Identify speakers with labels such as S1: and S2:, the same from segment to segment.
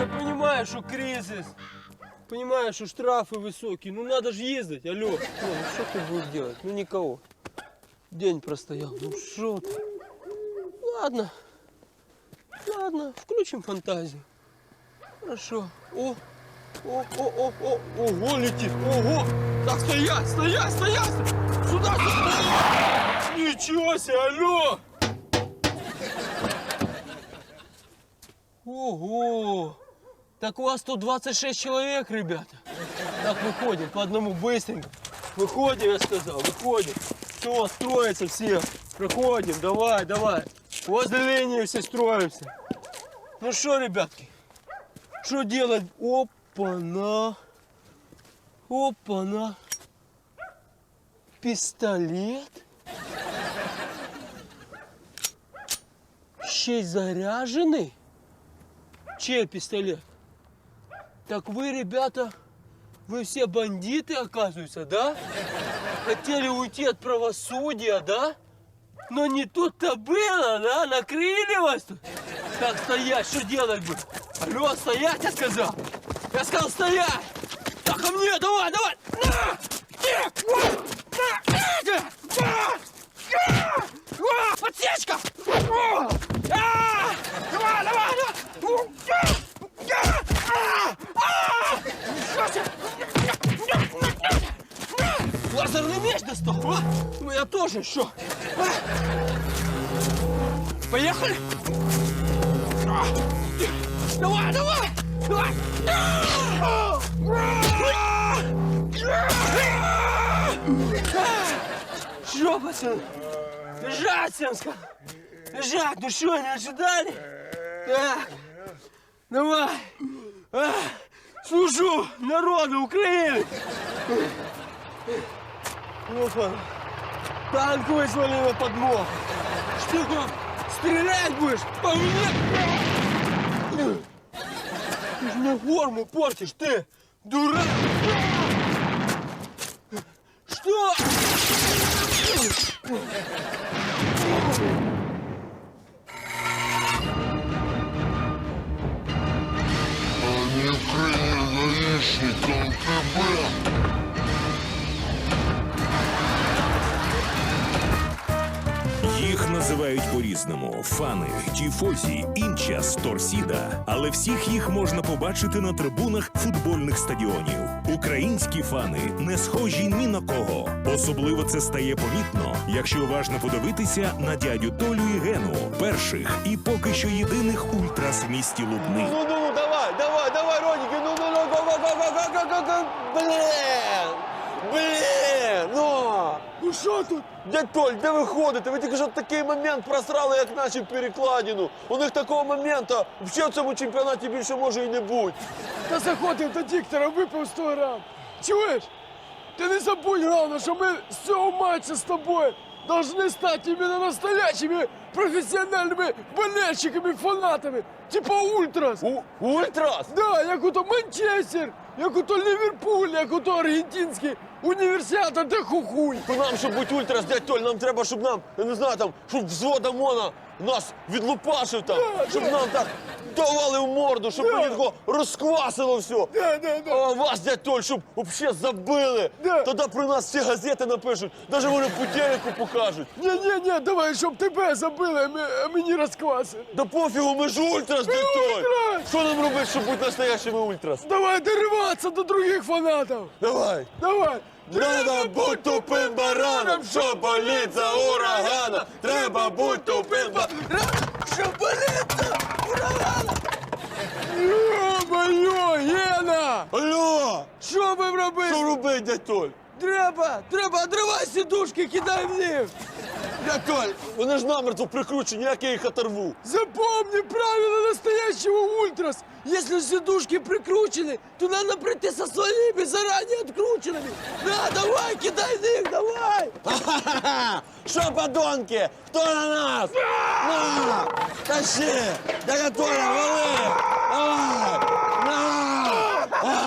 S1: Я понимаю, что кризис. Понимаю, что штрафы высокие. Ну надо же ездить. Алло. Ну что ты будешь делать? Ну никого. День простоял. Ну что ты? Ладно. Ладно, включим фантазию. Хорошо. Ого, летит. Ого. Так, стоять. Сюда. Ничего себе, алло. Ого! Так у вас тут 26 человек, ребята. Так, выходим по одному быстренько. Выходим, я сказал, выходим. Все, строятся все. Проходим, давай. Возле линии все строимся. Ну что, ребятки, что делать? Опа-на. Пистолет. 6 заряженный. Чей пистолет? Так вы, ребята, вы все бандиты, оказывается, да? Хотели уйти от правосудия, да? Но не тут-то было, да? Накрыли вас тут? Так, стоять, что делать будем? Алло, стоять, я сказал! Я сказал, стоять! Так, ко мне, давай! На! Подсечка! Давай! Лазерный меч достал, а? Ну я тоже, что? Поехали? Давай! Что, пацаны? Лежать, всем сказал. Лежать, ну что, не ожидали? Так, давай. Служу народу Украины. Опа. Танк вызвали на подмогу. Что там? Стрелять будешь? По мне? Ты же мне форму портишь, ты дурак. Что?
S2: Они вкрыли гаишником КБ.
S3: Їх називають по-різному: фани, тіфозі, інчас, торсіда. Але всіх їх можна побачити на трибунах футбольних стадіонів. Українські фани не схожі ні на кого. Особливо це стає помітно, якщо уважно подивитися на дядю Толю і Гену, перших і поки що єдиних ультрас в місті Лубни.
S1: Ну, давай, Родики, ну, блін, ну. Ну що тут? Дядь Толь, де ви ходите? Ви тільки що такий момент просрали, як наші перекладину. У них такого моменту взагалі в цьому чемпіонаті більше може і не бути.
S4: Та заходив до диктора, випив 100 грам. Чуєш? Ти не забудь, головне, що ми з цього матчу з тобою должны стать именно настоящими профессиональными болельщиками, фанатами. Типа Ультрас.
S1: Ультрас?
S4: Да, як ото Манчестер, як ото Ліверпуль, як ото аргентинський універсіада де хухуй.
S1: То нам, щоб бути ультрас, дядь Толь, нам треба, щоб нам, я не знаю, там, щоб взвод ОМОНа нас відлупашив там, щоб нам так давали в морду, щоб мені такого розквасило все. А вас, дядь Толь, щоб взагалі забили. Тоді про нас всі газети напишуть, навіть вони по телеку покажуть.
S4: Ні, давай, щоб тебе забили, а мені розквасили.
S1: Да пофігу, ми ж ультрас, дядь Толь.
S4: ультрас!
S1: Що нам робити, щоб бути настоящими ультрас?
S4: Давай дориватися до других фанатів.
S1: Давай. Треба бути тупим бараном, що болить за урагана. Треба бути тупим бараном, що болить за урагана.
S4: Йо-моє, Гена!
S1: Алло!
S4: Що будемо робити?
S1: Що робити, дядь Толь?
S4: Треба, отривай сідушки, кидай в них.
S1: Дядь Толь, вони ж намертво прикручені, як я їх оторву.
S4: Запомни правила настоящего ультрас. Если сидушки прикручены, то надо прийти со своими заранее открученными. На, давай, кидай в них, давай.
S1: Ха-ха-ха! Що, подонки? Хто на нас? На! Тащи! Дядь Толя, вали! Давай! На!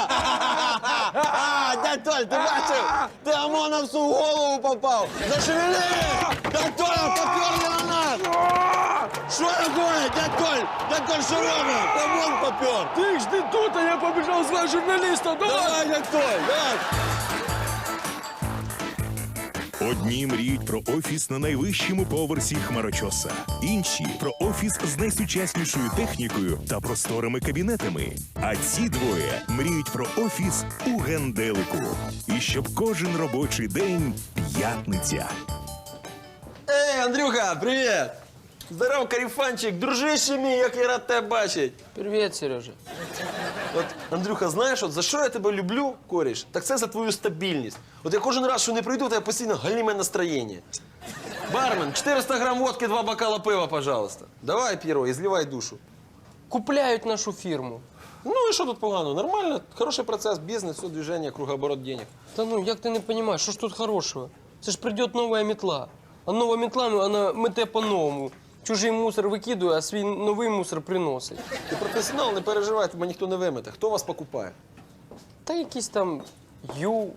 S1: Дядь Толь, ти бачив? Ти ОМОНовцу в голову попав! Зашевели! Дядь Толя, поперли на нас!
S5: Що робить, дядь Коль? Дядь Коль, що робить? Та вон попер.
S4: Ти жди тут, а я побіжав звати журналіста. Давай!
S5: Давай, дядь Коль, давай.
S3: Одні мріють про офіс на найвищому поверсі хмарочоса, інші про офіс з найсучаснішою технікою та просторими кабінетами. А ці двоє мріють про офіс у генделику. І щоб кожен робочий день п'ятниця.
S5: Ей, Андрюха, привіт. Здоров, каріфанчик, дружище мій, як я рад тебе бачить.
S1: Привет, Сережа.
S5: От, Андрюха, знаєш, от за що я тебе люблю, коріш, так це за твою стабільність. От я кожен раз, що не прийду, то я постійно галіме настроєння. Бармен, 400 грам водки, 2 бокала пива, пожалуйста. Давай, П'єро, і зливай душу.
S1: Купляют нашу фирму.
S5: Ну і що тут погано? Нормально, хороший процес, бізнес, все, движення, кругооборот денег.
S1: Да ну, як ти не понимаешь, що ж тут хорошего? Це ж придет новая метла. А нова метла, ну, вона мете по-новому. Чужий мусор викидує, а свій новий мусор приносить.
S5: Ти професіонал, не переживай, тебе ніхто не вимете. Хто вас покупає?
S1: Та якийсь там я.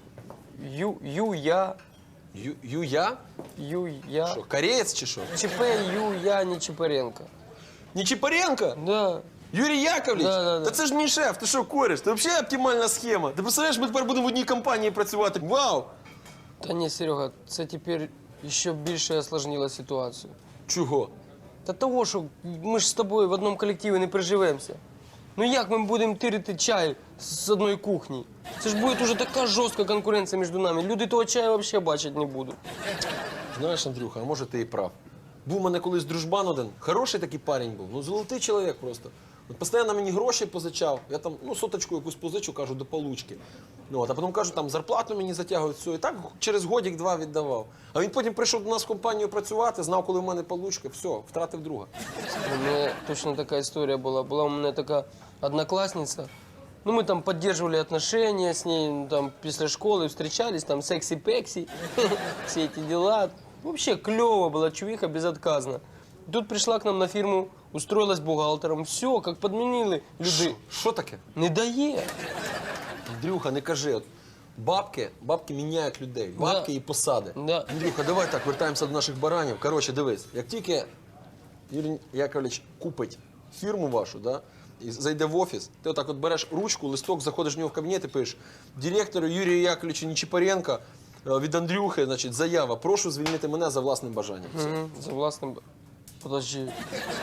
S5: Я? Що, кореєць чи що?
S1: ЧП я, не Чепаренко.
S5: Нечипаренко?
S1: Да.
S5: Юрій Яковлевич?
S1: Да.
S5: Та це ж мій шеф, ти що, кореш? Це взагалі оптимальна схема. Ти представляєш, ми тепер будемо в одній компанії працювати. Вау!
S1: Та ні, Серега, це тепер ще більше осложнило ситуацію.
S5: Чого?
S1: Та того, що ми ж з тобою в одному колективі не приживемося. Ну як ми будемо тирити чай з одної кухні? Це ж буде уже така жорстка конкуренція між нами. Люди того чаю взагалі бачити не будуть.
S5: Знаєш, Андрюха, а може ти і прав. Був у мене колись дружбан один, хороший такий парень був, ну золотий чоловік просто. От постійно мені гроші позичав, я там, ну, соточку якусь позичу, кажу, до получки. Ну, от, а потім кажу, там зарплату мені затягують, все. І так через годик-два віддавав. А він потім прийшов до нас в компанію працювати, знав, коли в мене получка, все, втратив друга.
S1: У мене точно така історія була. Була у мене така однокласниця. Ну, ми там підтримували отношения з нею, ну, там, після школи зустрічались, там, сексі-пексі, всі ці діла. Вообще клево була чувиха, безотказна. Тут прийшла к нам на фірму, устроилась бухгалтером. Все, як підмінили люди.
S5: Що таке?
S1: Не дає.
S5: Андрюха, не кажи, от бабки міняють людей, бабки і посади.
S1: Да.
S5: Андрюха, давай так, вертаємося до наших баранів. Коротше, дивись, як тільки Юрій Яковлевич купить фірму вашу, да, і зайде в офіс, ти отак от береш ручку, листок, заходиш в нього в кабінет і пишеш: директору Юрію Яковлевичу Нечипаренко від Андрюхи, значить, заява, прошу звільнити мене за власним бажанням. Все.
S1: За власним... Подожди,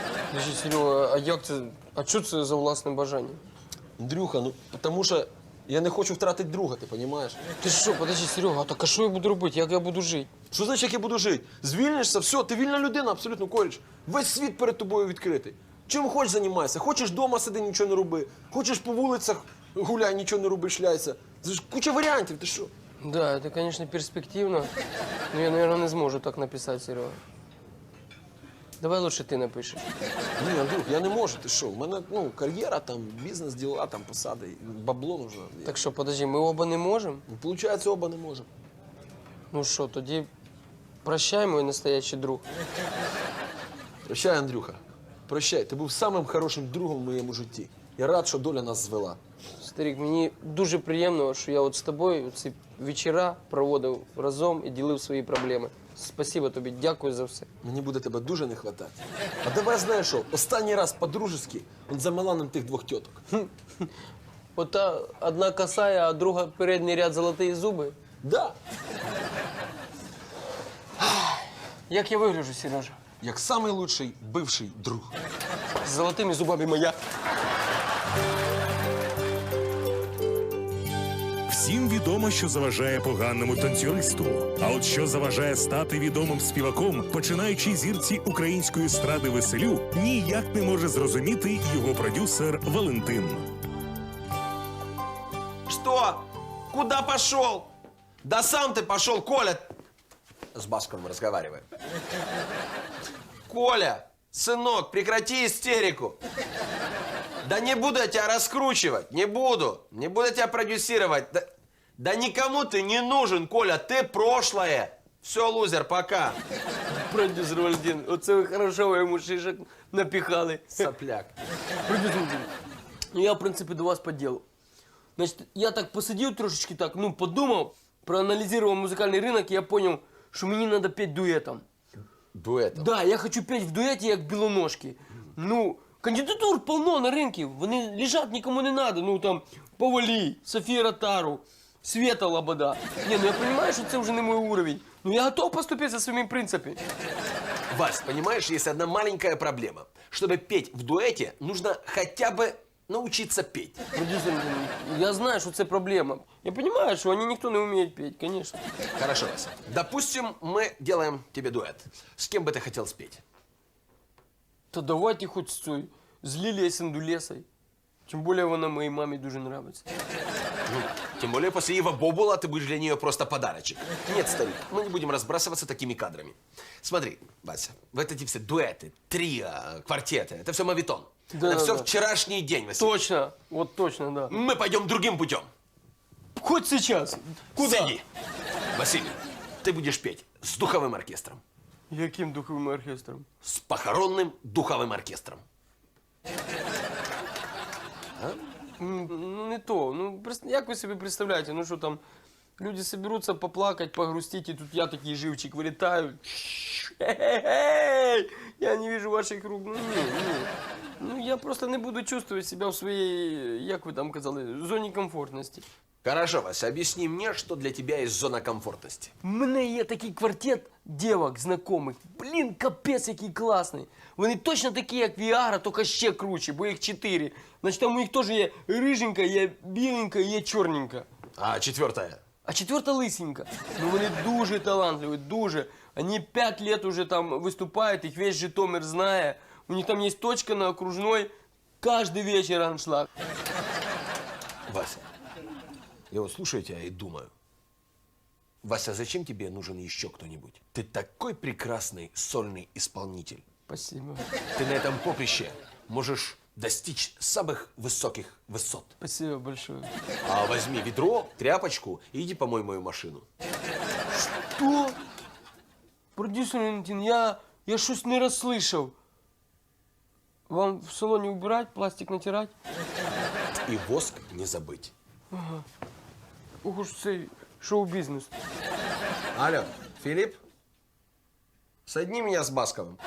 S1: Серега, а як це? А що це за власним бажанням?
S5: Андрюха, ну, тому що я не хочу втратити друга, ти розумієш?
S1: Ти що, подожди, Серега, так а що я буду робити? Як я буду жити?
S5: Що значить, як я буду жити? Звільнишся, все, ти вільна людина, абсолютно, коріш. Весь світ перед тобою відкритий. Чим хочеш займайся? Хочеш вдома сиди, нічого не роби. Хочеш по вулицях гуляй, нічого не роби, шляйся. Це ж куча варіантів, ти що?
S1: Да, это, конечно, перспективно, но я, наверное, не зможу так написать, Серега. Давай лучше ти напишеш.
S5: Ні, Андрюх, я не можу, ти що? У мене, ну, кар'єра, там, бізнес, діла, там, посади, бабло нужно.
S1: Так що, подожди, ми оба не можемо?
S5: Ну, получається, оба не можемо.
S1: Ну що, тоді прощай, мой настоящий друг.
S5: Прощай, Андрюха. Прощай, ти був самим хорошим другом в моєму житті. Я рад, що доля нас звела.
S1: Старик, мені дуже приємно, що я от з тобою ці вечора проводив разом і ділив свої проблеми. Спасибо тобі, дякую за все.
S5: Мені буде тебе дуже не хватати. А давай, знаєш що, останній раз по-дружески он за Миланом тих двох тіток.
S1: Ота одна косая, а друга передній ряд золоті зуби.
S5: Да,
S1: Як я вигляджу, Сережа?
S5: як самий лучший бивший друг.
S1: З золотими зубами моя.
S3: Всім відомо, що заважає поганому танцюристу. А от що заважає стати відомим співаком, починаючи зірці української естради Веселю, ніяк не може зрозуміти його продюсер Валентин.
S5: Что? Куда пошел? Да сам ты пошел, Коля. С Басковым разговариваю. Коля, сынок, прекрати истерику. Да не буду я тебя раскручивать, не буду. Не буду тебя продюсировать. Да никому ты не нужен, Коля, ты прошлое. Все, лузер, пока.
S1: Продюсер Валентин, оце ви хорошо ви йому шишок напіхали.
S5: Сопляк.
S1: Продюсер Валентин, ну я, в принципі, до вас по ділу. Значить, я так посидів трошечки так, ну, подумав, проаналізував музикальний ринок, і я зрозумів, що мені треба петь дуетом.
S5: Дуетом.
S1: Да, я хочу петь в дуеті, як білоножки. Ну, кандидатур полно на ринку, вони лежать, нікому не надо. Ну, там, Повалій, Софія Ротару, Света Лобода. Ні, ну я розумію, що це вже не мій уровень. Ну, я готов поступити за своїми принципами.
S5: Вась, понимаешь, есть одна маленькая проблема. Чтобы петь в дуэте, нужно хотя бы научиться петь.
S1: Продюсер, я знаю, що це проблема. Я розумію, що вони ніхто не вміє петь, звісно.
S5: Хорошо, Вася. Допустим, мы делаем тебе дуэт. С кем бы ты хотел спеть?
S1: Та давайте хоч з Лілією Сендулесою. Тим більше вона моїй мамі дуже подобається.
S5: Ну, тем более после Ива Бобула ты будешь для нее просто подарочек. Нет, старик, мы не будем разбрасываться такими кадрами. Смотри, Вася, вот эти все дуэты, трио, квартеты, это все мавитон.
S1: Да,
S5: это
S1: да,
S5: все
S1: да.
S5: вчерашний день, Вася.
S1: Точно, от точно, да.
S5: Мы пойдем другим путем.
S1: Хоч сейчас. Куда?
S5: Сиди. Василий, ты будешь петь с духовым оркестром.
S1: Яким духовим оркестром?
S5: С похоронным духовым оркестром.
S1: Ну, не то. Ну, як ви собі представляєте, ну що там, люди соберутся поплакать, погрустить, и тут я такий живчик вилітаю. Я не вижу ваших рук. Ну, ні. Ну, я просто не буду чувствовать себя в своей, як ви там казали, зоні комфортності.
S5: Хорошо, Вася, объясни мне, что для тебя есть зона комфортности.
S1: У мене є такий квартет дівок знайомих. Блін, капець, який класний. Вони точно такі, як Віагра, тільки ще круче, бо їх 4. Значить, там у них теж є риженька, є біленька, є чорненька.
S5: А четвертая?
S1: А четверта лисенька. Ну вони дуже талантливі, дуже. Вони 5 лет уже там виступають, їх весь Житомир знає. У них там є точка на окружной, каждый вечер аншлаг.
S5: Вася, я вот слушаю тебя и думаю. Вася, зачем тебе нужен еще кто-нибудь? Ты такой прекрасный сольный исполнитель.
S1: Спасибо.
S5: Ты на этом поприще можешь достичь самых высоких высот.
S1: Спасибо большое.
S5: А возьми ведро, тряпочку и иди помой мою машину.
S1: Что? Продюсер Валентин, я щось не розслышав. Вам в салоне убирать, пластик натирать?
S5: И воск не забыть.
S1: Ох уж цей шоу-бізнес.
S5: Алло, Филипп? Соедини меня с Басковым.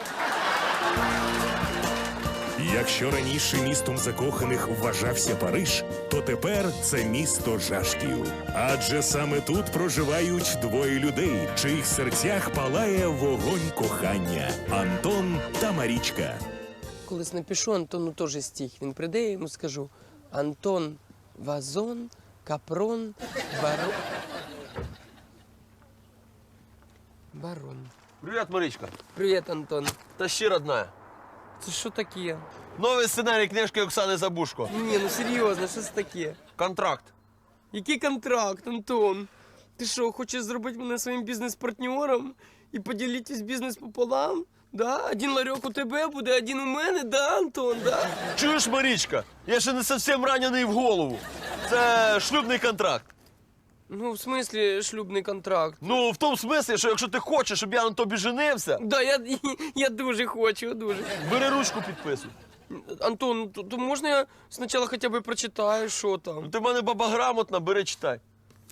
S3: Якщо раніше містом закоханих вважався Париж, то тепер це місто жашків. Адже саме тут проживають двоє людей, в чиїх серцях палає вогонь кохання – Антон та Марічка.
S1: Колись напишу Антону теж стих. Він прийде, я йому скажу: Антон Вазон, Капрон, Барон. Барон.
S5: Привет, Маричка.
S1: Привіт, Антон.
S5: Тащи, родная.
S1: Це що таке?
S5: Новый сценарий книжки Оксаны Забушко.
S1: Ні, ну серйозно, що це таке?
S5: Контракт.
S1: Який контракт, Антон? Ти що, хочеш зробити мене своїм бізнес-партнером і поділитись бізнес пополам? Да? Один ларьок у тебе буде, один у мене, да, Антон, да?
S6: Чуєш, Марічка? Я ще не зовсім ранений в голову. Це шлюбний контракт.
S1: Ну, в смислі, шлюбний контракт.
S6: Ну, в тому смислі, що якщо ти хочеш, щоб я на тобі женився,
S1: Да, я дуже хочу, дуже.
S6: бери ручку, підписуй.
S1: Антон, то можна я спочатку хоча б прочитаю, що
S6: Ну,
S1: там?
S6: ти в мене баба грамотна, бери, читай.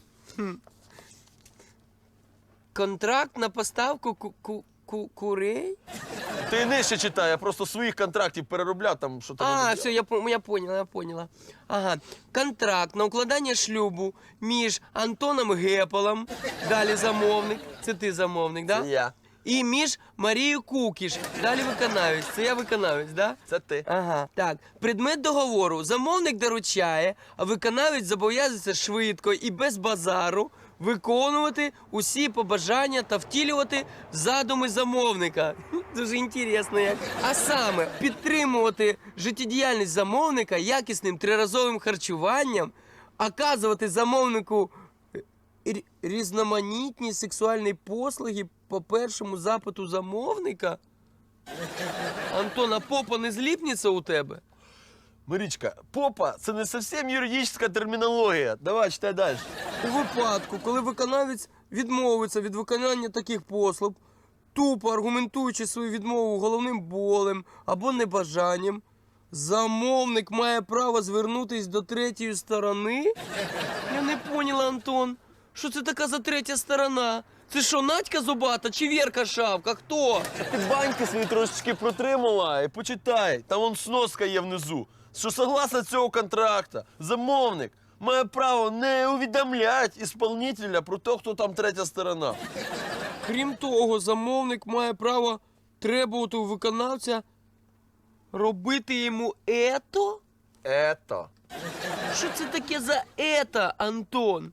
S1: Контракт на поставку курей?
S6: Ти нижче читай, я просто своїх контрактів переробляв, там, що там.
S1: А, все, я поняла. Ага. Контракт на укладання шлюбу між Антоном Гепалом, далі замовник, це ти замовник, да?
S6: Це я.
S1: І між Марією Кукіш, далі виконавець, це я виконавець, да?
S6: Це ти.
S1: Ага. Так, предмет договору. Замовник доручає, а виконавець зобов'язується швидко і без базару виконувати усі побажання та втілювати задуми замовника. Дуже інтересно як. А саме, підтримувати життєдіяльність замовника якісним триразовим харчуванням, оказувати замовнику різноманітні сексуальні послуги по першому запиту замовника. Антон, а попа не зліпнеться у тебе?
S6: Марічка, попа – це не зовсім юридична термінологія. Давай, читай далі.
S1: У випадку, коли виконавець відмовиться від виконання таких послуг, тупо аргументуючи свою відмову головним болем або небажанням, замовник має право звернутися до третьої сторони? Я не поняла, Антон. Що це така за третя сторона? Це що, Надька Зубата чи Вірка Шавка? Хто?
S6: Ти баньки свої трошечки протримала і почитай. Там вон сноска є внизу. Що согласно цього контракту, замовник має право не увідомляти ісполнителя про те, хто там третя сторона.
S1: Крім того, замовник має право требувати у виконавця робити йому ето?
S6: Ето.
S1: Що це таке за ето, Антон?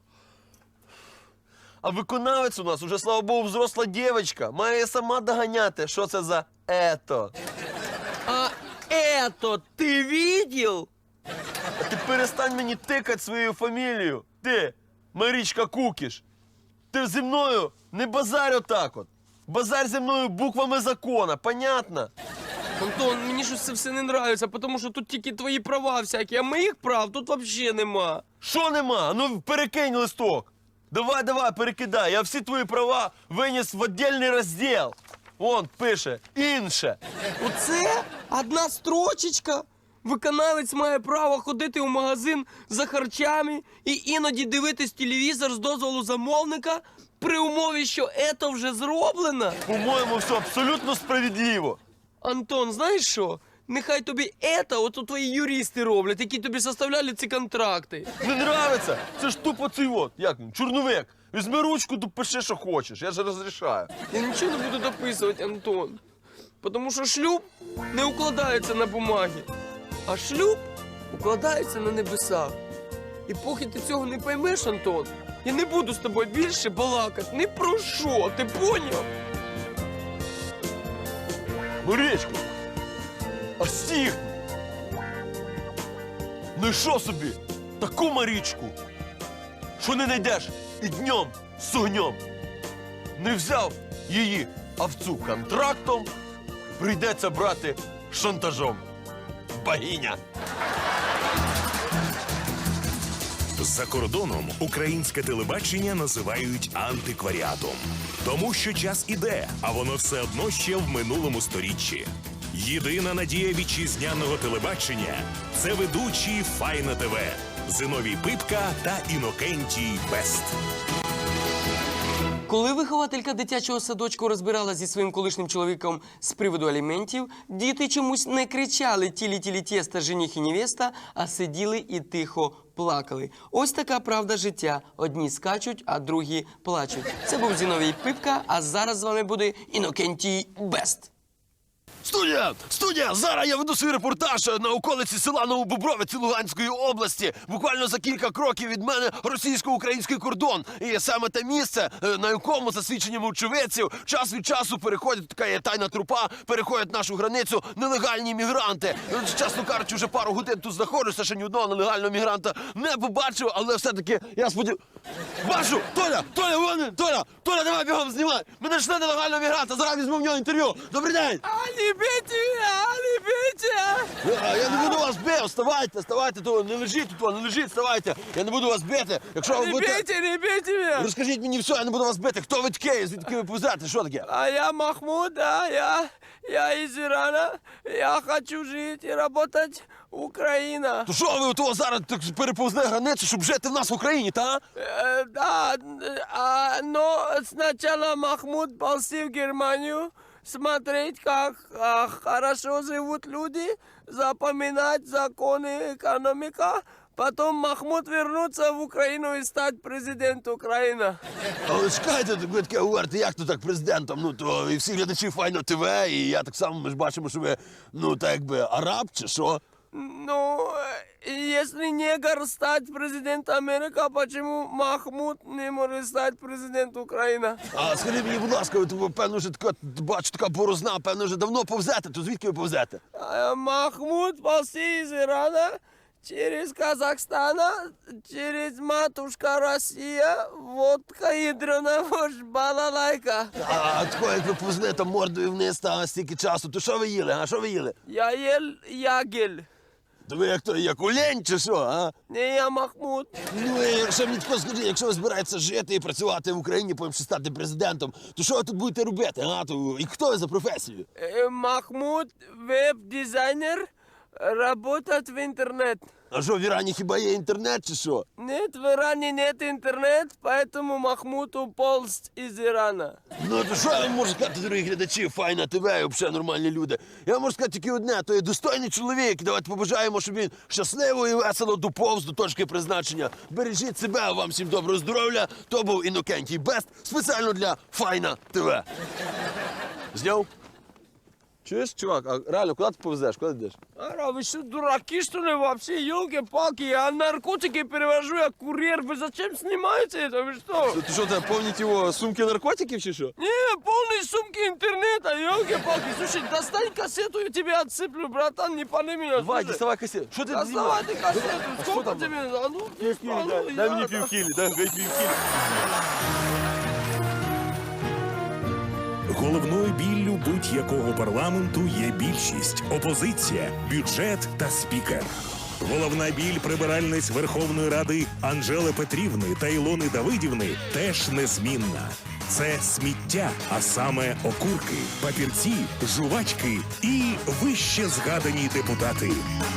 S6: А виконавець у нас уже, слава Богу, взросла дівчинка. Має сама доганяти, що це за ето.
S1: А ето ти видел?
S6: А ти перестань мені тикати своєю фамілією. Ти, Марічка Кукіш. Ти зі мною не базарь отак от. Базарь зі мною буквами закона, понятно?
S1: Антон, мені щось це все не нравиться, тому що тут тільки твої права всякі, а моїх прав тут взагалі нема.
S6: Що нема? Ну перекинь листок. Давай, перекидай. Я всі твої права виніс в віддільний розділ. Вон, пише, інше.
S1: Оце одна строчечка. Виконавець має право ходити у магазин за харчами і іноді дивитись телевізор з дозволу замовника при умові, що ето вже зроблено.
S6: По-моєму, все абсолютно справедливо.
S1: Антон, знаєш що? Нехай тобі ето от твої юристи роблять, які тобі составляли ці контракти.
S6: Не нравиться? Це ж тупо цей от, як він, чорновик. Візьми ручку, допиши, що хочеш, я ж розрішаю.
S1: Я нічого не буду дописувати, Антон. Тому що шлюб не укладається на бумагі, а шлюб укладається на небесах. І поки ти цього не поймеш, Антон, я не буду з тобою більше балакати. Ні про що, ти поняв?
S6: Марічка, а стіг! Ну і що собі? Таку Марічку, що не знайдеш і днем з огнем. Не взяв її овцу контрактом, прийдеться брати шантажом. Богиня!
S3: За кордоном українське телебачення називають антикваріатом. Тому що час іде, а воно все одно ще в минулому сторіччі. Єдина надія вітчизняного телебачення – це ведучі Файна ТВ Зиновій Пипка та Інокентій Бест.
S1: Коли вихователька дитячого садочку розбирала зі своїм колишнім чоловіком з приводу аліментів, діти чомусь не кричали «тілі-тілі тєста, жених і невеста», а сиділи і тихо плакали. Ось така правда життя. Одні скачуть, а другі плачуть. Це був Зіновій Пипка, а зараз з вами буде Інокентій Бест.
S6: Студія! Зараз я веду свій репортаж на околиці села Новобобровиці Луганської області. Буквально за кілька кроків від мене російсько-український кордон. І саме те місце, на якому, за свідченнями очевидців, час від часу переходять, така є тайна трупа, переходять нашу границю нелегальні мігранти. Чесно кажучи, вже пару годин тут знаходжуся, ще ні одного нелегального мігранта не побачив, але все-таки я сподіваюся... Бачу! Толя, давай бігом знімай! Мене йшли нелегального мігранта, зараз візьму в нього інтерв'ю. Добрий день! Я не буду вас бити, вставайте, то не лежіть, вставайте. Я не буду вас бити. Якщо ви будете...
S1: Не бейте меня!
S6: Розкажіть мені все, я не буду вас бити. Хто ви такі? Звідки ви повзете? Що таке?
S1: А я Махмуд, да, я из Ирана. Я хочу жить и работать Украина.
S6: То що ви того зараз так переповзли границю, щоб жити в нас в Україні, та?
S1: Да, но сначала Махмуд ползи в Германию, смотреть, как хорошо живут люди, запоминать законы, экономика. Потом Махмуд вернуться в Украину и стать президентом Украины.
S6: Але чекайте, ви таке говорите, як то так президентом? Ну, то і всі глядачі Файно ТВ, і я так само, ми ж бачимо, що ви, ну, так якби араб, чи що?
S1: Ну, если негр стать президентом Америки, почему Махмуд не может стать президентом Украины?
S6: А скажіть мені, будь ласка, ви, певно, вже така, бачу, така борозна, певно, вже давно повзете, то звідки ви повзете?
S1: Махмуд ползи из Ирана, через Казахстан, через матушка Россия, водка ядрена, балалайка.
S6: А тако, як ви повзли там мордою вниз, та стільки часу, то що ви їли, а що ви їли?
S1: Я ел ягель.
S6: То ви як то, як олень чи що, а?
S1: Не, я Махмуд.
S6: Ну, і якщо мені тако скажи, якщо ви збираєтеся жити і працювати в Україні, потім ще стати президентом, то що ви тут будете робити, а? То, і хто ви за професією?
S1: Махмуд, веб-дизайнер, работать в интернет.
S6: А що, в Ірані хіба є інтернет чи що?
S4: Нет, в Иране нет интернет, поэтому Махмуд уполз из Ирана.
S6: Ну, то що я вам можу сказати, дорогі глядачі, Файна ТВ і взагалі нормальні люди. Я вам можу сказати тільки одне, то є достойний чоловік. Давайте побажаємо, щоб він щасливо і весело доповз до точки призначення. Бережіть себе, а вам всім доброго здоров'я. То був Інокентій Бест, спеціально для Файна ТВ. Зняв? Чуєш, чувак, а реально, куди ти повезеш? Куди ти йдеш?
S4: Ара, вы что, дураки, что ли, вообще? Елки-палки, я наркотики перевожу, я курьер. Вы зачем снимаете это? Вы что?
S6: Ти що, тебе повніть його сумки наркотиків чи що?
S4: Не, полные сумки интернета, елки-палки. Слушай, достань кассету, я тебе отсыплю, братан, не пани меня.
S6: Давай,
S4: слушай.
S6: діставай касету. Що ти
S4: Доставай
S6: знімаєш?
S4: ты кассету, сколько
S6: там?
S4: тебе? А ну,
S6: Дай мені півкілі, дай півкілі.
S3: Головною біллю будь-якого парламенту є більшість, опозиція, бюджет та спікер. Головна біль прибиральниць Верховної Ради Анжели Петрівни та Ілони Давидівни теж незмінна. Це сміття, а саме окурки, папірці, жувачки і вище згадані депутати.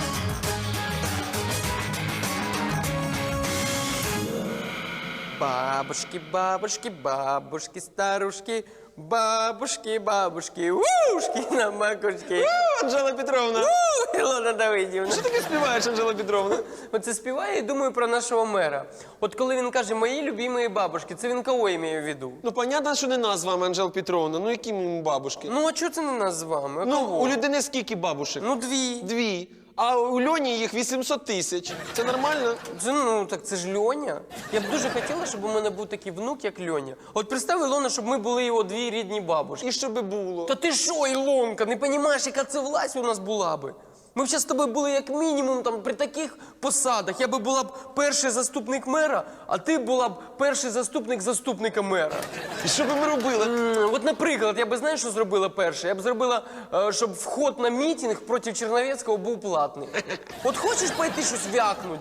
S4: Бабушки, бабушки, бабушки, старушки, бабушки, бабушки, ушки на макушки.
S5: Анжела Петровна,
S4: Ілона Давидівна.
S5: що ти співаєш, Анжела Петровна?
S4: Оце співаю і думаю про нашого мера. От коли він каже «мої любимі бабушки», це він кого імеє в виду?
S5: Ну, понятно, що не нас з вами, Анжела Петровна. Ну, які ми бабушки?
S4: Ну, а чого це не нас з вами? А
S5: Ну,
S4: кого?
S5: у людини скільки бабушек?
S4: Ну, дві.
S5: Дві. А у Льоні їх 800 тисяч. Це нормально?
S4: Так це ж Льоня. Я б дуже хотіла, щоб у мене був такий внук, як Льоня. От представ, Ілона, щоб ми були його дві рідні бабушки.
S5: І що би було?
S4: Та ти що, Ілонка, не розумієш, яка це власть у нас була би? Ми б зараз з тобою були як мінімум там при таких посадах. Я би була б перший заступник мера, а ти була б перший заступник заступника мера.
S5: І що би ми робили?
S4: От, наприклад, я би, знаєш, що зробила перше? Я б зробила, щоб вход на мітинг проти Черновецького був платний. От хочеш пойти щось вякнуть?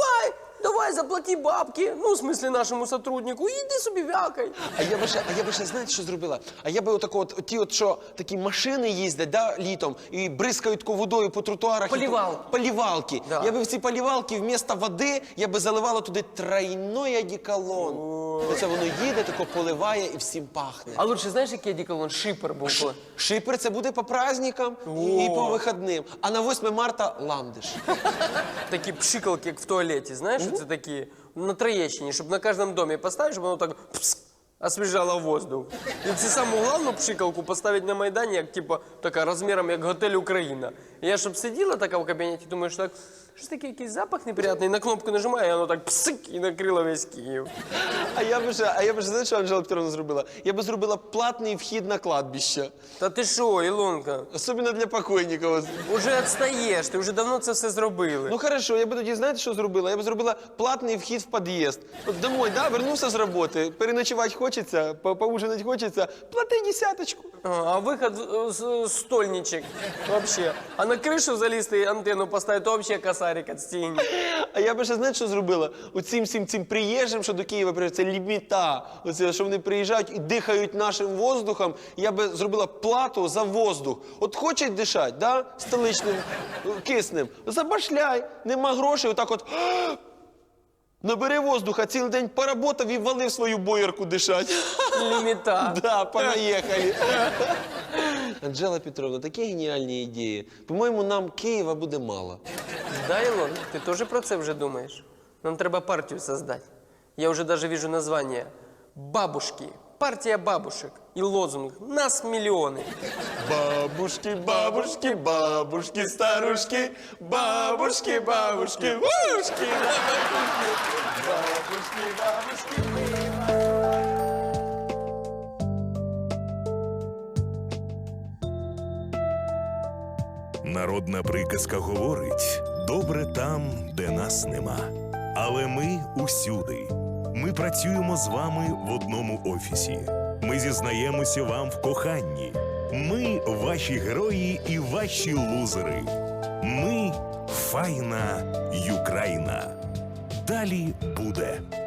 S4: Давай, заплати бабки, ну, в смислі, нашому сотруднику, і йди собі вякай.
S5: А я би ще, знаєте, що зробила? А я би що такі машини їздять, да, літом, і бризкають таку водою по тротуарах.
S4: Полівалки.
S5: Полівалки.
S4: Да.
S5: Я би в ці полівалки вмісто води, я би заливала туди тройной одеколон. Оце воно їде, тако поливає і всім пахне.
S4: А лучше, знаєш, який одеколон? Шипер був.
S5: Шипер це буде по праздникам і по вихідним. А на 8 марта ландиш.
S4: Такі пшикалки, як в туалеті, знаєш, це такі на Троєщині, щоб на кожному домі поставити, щоб воно так пск, освіжало воздух. І цю саму головну пшикалку поставити на Майдані, як типу, така розміром, як готель Україна. І я щоб сиділа така в кабінеті, думаю, що так, щось таке, якийсь запах неприятний, на кнопку нажимаю, і воно так псик, і накрило весь Київ.
S5: А я би ще, знаєш, що Анжела Петровна зробила? Я би зробила платний вхід на кладбище.
S4: Та ти що, Ілонка?
S5: Особливо для покойників.
S4: Уже відстаєш, ти вже давно це все зробили.
S5: Ну хорошо, я би тоді, знаєте, що зробила? Я б зробила платний вхід в під'їзд. От домой, да, вернувся з роботи, переночувати хочеться, поужинати хочеться, плати 10.
S4: А виход стольничек вообще. А на кришу залізти і антенну поставити, то вообще косарик від стіни.
S5: А я би ще, знаєте, що зробила? Оцим всім приїжджим, що до Києва приїжджають, це ліміта. Оце, що вони приїжджають і дихають нашим воздухом, я би зробила плату за воздух. От хочуть дишати, да, столичним, киснем, забашляй, нема грошей, отак от... Набери воздуха, цілий день поработав і валив свою боярку дишать.
S4: Ліміта.
S5: Да, понаїхали. Анжела Петровна, такі геніальні ідеї. По-моєму, нам Києва буде мало.
S4: Да, Илон, ты тоже про це вже думаєш? Нам треба партію создать. Я уже даже вижу название. Бабушки. Партия бабушек. И лозунг «Нас миллионы».
S5: Бабушки, бабушки, бабушки, старушки, бабушки, бабушки, ушки, бабушки, бабушки.
S3: Народна приказка говорить: добре там, де нас нема. Але ми усюди. Ми працюємо з вами в одному офісі. Ми зізнаємося вам в коханні. Ми ваші герої і ваші лузери. Ми файна Юкраїна. Далі буде.